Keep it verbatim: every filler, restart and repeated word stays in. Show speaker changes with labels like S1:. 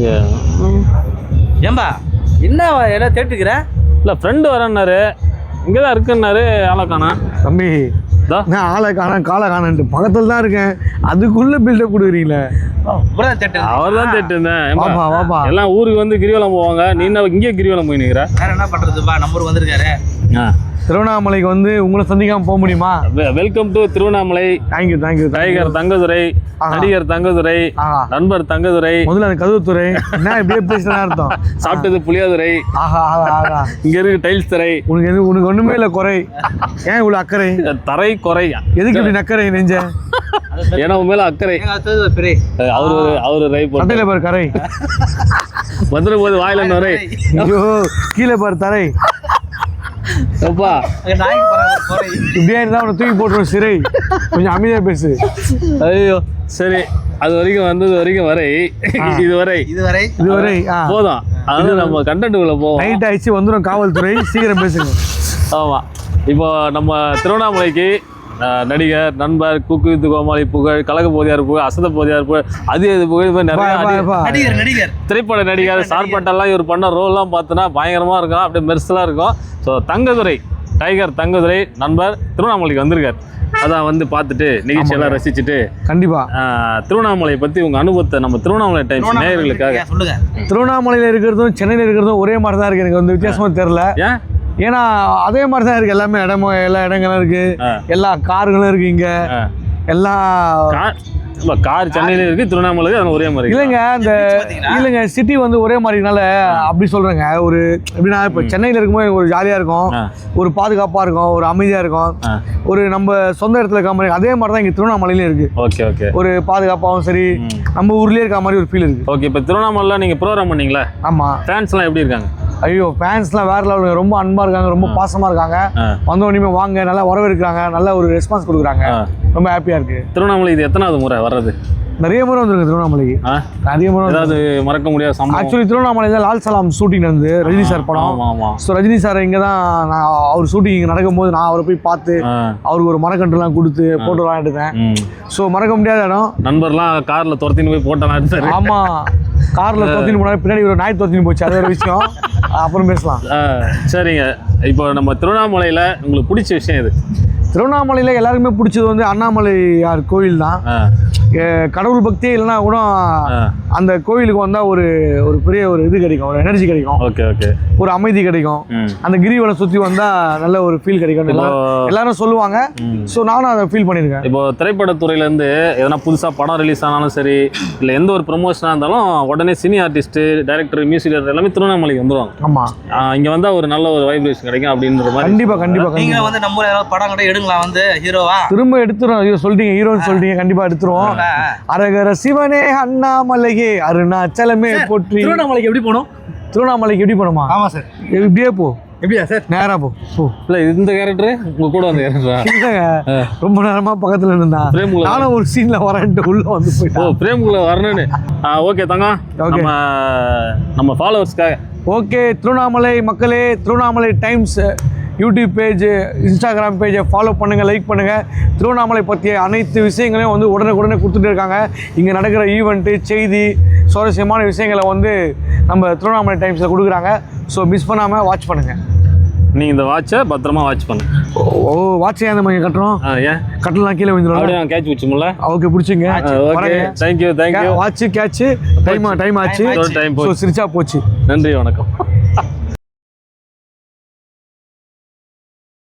S1: ஏம்பா என்ன எல்லாம் தேட்டுக்கிற?
S2: இல்லை ஃப்ரெண்டு வரேன்னாரு, இங்கே தான் இருக்குன்னாரு. ஆளை காணா
S3: தம்பி. நான் ஆளை காண காலை காணன்ட்டு பக்கத்தில் தான் இருக்கேன், அதுக்குள்ளே பில்டப் கொடுக்குறீங்களே.
S2: அவர் தான் தேட்டுருந்தேன்.
S3: வாப்பா வாப்பா.
S2: எல்லாம் ஊருக்கு வந்து கிரிவலம் போவாங்க, நீ என்ன இங்கே கிரிவலம் போய் நிற்கிற?
S1: வேற என்ன பண்ணுறதுப்பா, நம்பர் வந்திருக்காரு.
S2: ஆ
S3: திருவண்ணாமலைக்கு வந்து உங்களை சந்திக்காமல் போக முடியுமா?
S2: Welcome to Tiruvannamalai.
S3: Thank you thank you.
S2: Tiger Thangadurai, நடிகர் தங்கதுரை, நண்பர் தங்கதுரை,
S3: முதல்ல அந்த கதவுத்துறை என்ன இப்படியே பேசுனா அர்த்தம்.
S2: சாப்பிட்டது புளியாதுரை.
S3: ஆஹா ஆஹா.
S2: இங்க இருக்கு டைல்ஸ் தரை.
S3: உனக்கு எது உனக்கு ஒண்ணுமே இல்லை குறை, ஏன் இவ்வளோ அக்கறை?
S2: தரை குறை
S3: எதுக்கு இப்படி நக்கறை நெஞ்ச?
S2: ஏன்னா உன் மேல அக்கறை. அவரு அவரு ரை
S3: போட்டு பாரு கரை
S2: வந்துட போது வாயில நுரை.
S3: ஐயோ கீழே பாரு தரை. இப்படியே இருந்தா அவனை தூக்கி போட்டுரும் சிறை. கொஞ்சம் அமைதியா பேசு.
S2: ஐயோ சரி, அது வரைக்கும் வந்தது வரைக்கும் வரை இதுவரை
S1: இதுவரை
S3: இதுவரை
S2: போதும். அதாவது நம்ம கண்டென்ட்டுக்குள்ள போவோம்.
S3: நைட் ஆயிடுச்சு, வந்துடும் காவல்துறை, சீக்கிரம் பேசுங்க.
S2: ஆமா, இப்போ நம்ம திருவண்ணாமலைக்கு நடிகர், நண்பர், குக்கு வித்து கோமாளி புகழ், கலக போதியார் புகழ், அசத போதியார் புகழ், அது இது புகழ் நிறைய
S1: நடிகர்
S2: திரைப்பட நடிகர் சார்பட்டெல்லாம் இவர் பண்ண ரோல்லாம் பார்த்தோன்னா பயங்கரமா இருக்கும், அப்படியே மெர்சலாக இருக்கும். ஸோ தங்கதுரை, டைகர் தங்கதுரை நண்பர் திருவண்ணாமலைக்கு வந்திருக்கார். அதான் வந்து பார்த்துட்டு நிகழ்ச்சியெல்லாம் ரசிச்சுட்டு
S3: கண்டிப்பா
S2: திருவண்ணாமலை பற்றி உங்கள் அனுபவத்தை நம்ம திருவண்ணாமலை டைம்ஸ் நேயர்களுக்காக
S1: சொல்லுங்க.
S3: திருவண்ணாமலையில் இருக்கிறதும் சென்னையில் இருக்கிறதும் ஒரே மாதிரி தான் இருக்கு, எனக்கு வந்து வித்தியாசமாக தெரியல.
S2: ஏன்?
S3: ஏன்னா அதே மாதிரி தான் இருக்கு, எல்லாமே இடமும் எல்லா இடங்களும் இருக்கு, எல்லா கார்களும் இருக்கு, இங்க எல்லா
S2: கார் சென்னையில இருக்கு, திருவண்ணாமலை ஒரே மாதிரி
S3: இல்லைங்க. அந்த இல்லைங்க சிட்டி வந்து ஒரே மாதிரினால அப்படி சொல்றேங்க. ஒரு எப்படின்னா இப்போ சென்னையில் இருக்கும்போது ஒரு ஜாலியா இருக்கும், ஒரு பாதுகாப்பா இருக்கும், ஒரு அமைதியா இருக்கும், ஒரு நம்ம சொந்த இடத்துல இருக்க மாதிரி. அதே மாதிரி தான் இங்க திருவண்ணாமலையிலும் இருக்கு.
S2: Okay okay.
S3: ஒரு பாதுகாப்பாகவும் சரி, நம்ம ஊர்லயே இருக்க மாதிரி ஒரு ஃபீல் இருக்கு.
S2: ஓகே, இப்போ திருவண்ணாமலையில் நீங்க ப்ரோக்ராம் பண்ணீங்களா?
S3: ஆமா.
S2: ஃபேன்ஸ்லாம் எப்படி இருக்காங்க?
S3: ஐயோ ஃபேன்ஸ்லாம் வேற லெவலுங்க, ரொம்ப அன்பா இருக்காங்க, ரொம்ப பாசமா இருக்காங்க. வந்த உடனே வாங்க நல்லா வரவேற்கிறாங்க, நல்ல ஒரு ரெஸ்பான்ஸ் கொடுக்குறாங்க, ரொம்ப ஹாப்பியா இருக்கு.
S2: திருவண்ணாமலை இது எத்தனாவது முறை வர்றது?
S3: நிறைய முறை வந்துருக்கு திருவண்ணாமலைக்கு, நிறைய முறை.
S2: ஏதாவது மறக்க முடியாத சம்பவம்?
S3: ஆக்சுவலி திருவண்ணாமலையில் லால் சலாம் ஷூட்டிங் நடந்து ரஜினி சார் படம். ஸோ ரஜினி சார் இங்கே தான் நான் அவர் ஷூட்டிங் இங்கே நடக்கும்போது நான் அவரை போய் பார்த்து அவருக்கு ஒரு மரக்கன்றுலாம் கொடுத்து போட்டோ எடுத்தேன். ஸோ மறக்க முடியாத இடம்.
S2: நண்பர்லாம் காரில் துரத்தின்னு போய் போட்டோலாம் எடுத்தாரு.
S3: ஆமாம், காரில் துரத்தின்னு போனாலும் பின்னாடி ஒரு நாய் துரத்தின்னு போச்சு, அது ஒரு விஷயம், அப்புறம் பேசலாம்.
S2: சரிங்க, இப்போ நம்ம திருவண்ணாமலையில் உங்களுக்கு பிடிச்ச விஷயம் எது?
S3: திருவண்ணாமலையில் எல்லாருக்குமே பிடிச்சது வந்து அண்ணாமலையார் கோவில் தான். கடவுள் பக்தியே இல்லைன்னா கூட அந்த கோவிலுக்கு வந்தால் ஒரு ஒரு பெரிய ஒரு இது கிடைக்கும், ஒரு எனர்ஜி கிடைக்கும்.
S2: Okay okay.
S3: ஒரு அமைதி கிடைக்கும். அந்த கிரிவலம் சுற்றி வந்தால் நல்ல ஒரு ஃபீல் கிடைக்கும், எல்லாரும் சொல்லுவாங்க. ஸோ நானும் அதை ஃபீல் பண்ணியிருக்கேன்.
S2: இப்போ திரைப்படத்துறையிலேருந்து எதனா புதுசாக படம் ரிலீஸ் ஆனாலும் சரி, இல்லை எந்த ஒரு ப்ரொமோஷனாக இருந்தாலும் உடனே cine artist, director, music director எல்லாமே திருவண்ணாமலைக்கு வந்துடுவாங்க.
S3: ஆமாம்,
S2: இங்கே வந்தால் ஒரு நல்ல ஒரு வைப்ரேஷன் கிடைக்கும் அப்படின்ற மாதிரி.
S3: கண்டிப்பாக கண்டிப்பாக.
S1: நீங்கள் வந்து நம்ம ஏதாவது படம் கூட எடுங்களா, வந்து ஹீரோவா
S3: திரும்ப எடுத்துரும். ஐயோ சொல்லிட்டீங்க, ஹீரோன்னு சொல்லிட்டீங்க, கண்டிப்பாக எடுத்துருவோம். அரகர சிவனே அண்ணாமலையே அருணாச்சலமே போற்றி.
S1: திருவண்ணாமலைக்கு எப்படி போகணும்?
S3: திருவண்ணாமலைக்கு எப்படி போகணுமா?
S1: ஆமா சார்,
S3: இப்படியே போ.
S1: எப்படியா சார்?
S3: நேரா போ.
S2: இல்லை இந்த கேரக்டர் உங்க கூட வந்து கேரக்டரா?
S3: ரொம்ப நேரமா பக்கத்துல இருந்தா நானும் ஒரு சீன்ல வரேன்ட்டு உள்ள வந்து போயிட்டேன்.
S2: ஓ பிரேமுக்குள்ள வரணும்னு. ஓகே தங்கம், நம்ம நம்ம ஃபாலோவர்ஸ்க்காக.
S3: ஓகே திருவண்ணாமலை மக்களே, Tiruvannamalai Times YouTube page, Instagram பேஜை ஃபாலோ பண்ணுங்கள், லைக் பண்ணுங்கள். திருவண்ணாமலை பற்றிய அனைத்து விஷயங்களையும் வந்து உடனுக்குடனே கொடுத்துட்டு இருக்காங்க. இங்கே நடக்கிற ஈவெண்ட்டு, செய்தி, சுவாரஸ்யமான விஷயங்களை வந்து நம்ம திருவண்ணாமலை டைம்ஸில் கொடுக்குறாங்க. ஸோ மிஸ் பண்ணாமல் வாட்ச் பண்ணுங்கள்.
S2: நீங்கள் இந்த வாட்சை பத்திரமா வாட்ச் பண்ணு.
S3: ஓ வாட்ச் ஏன் நம்ம கட்டுறோம்?
S2: ஏன்
S3: கட்டலாம் கீழே வந்துடும்.
S2: கேட்ச் பிடிச்சுமில்ல?
S3: ஓகே பிடிச்சிங்க.
S2: Thank you thank you.
S3: Watch catch time time ஆச்சு,
S2: டைம்
S3: சிரிச்சா போச்சு.
S2: நன்றி, வணக்கம்.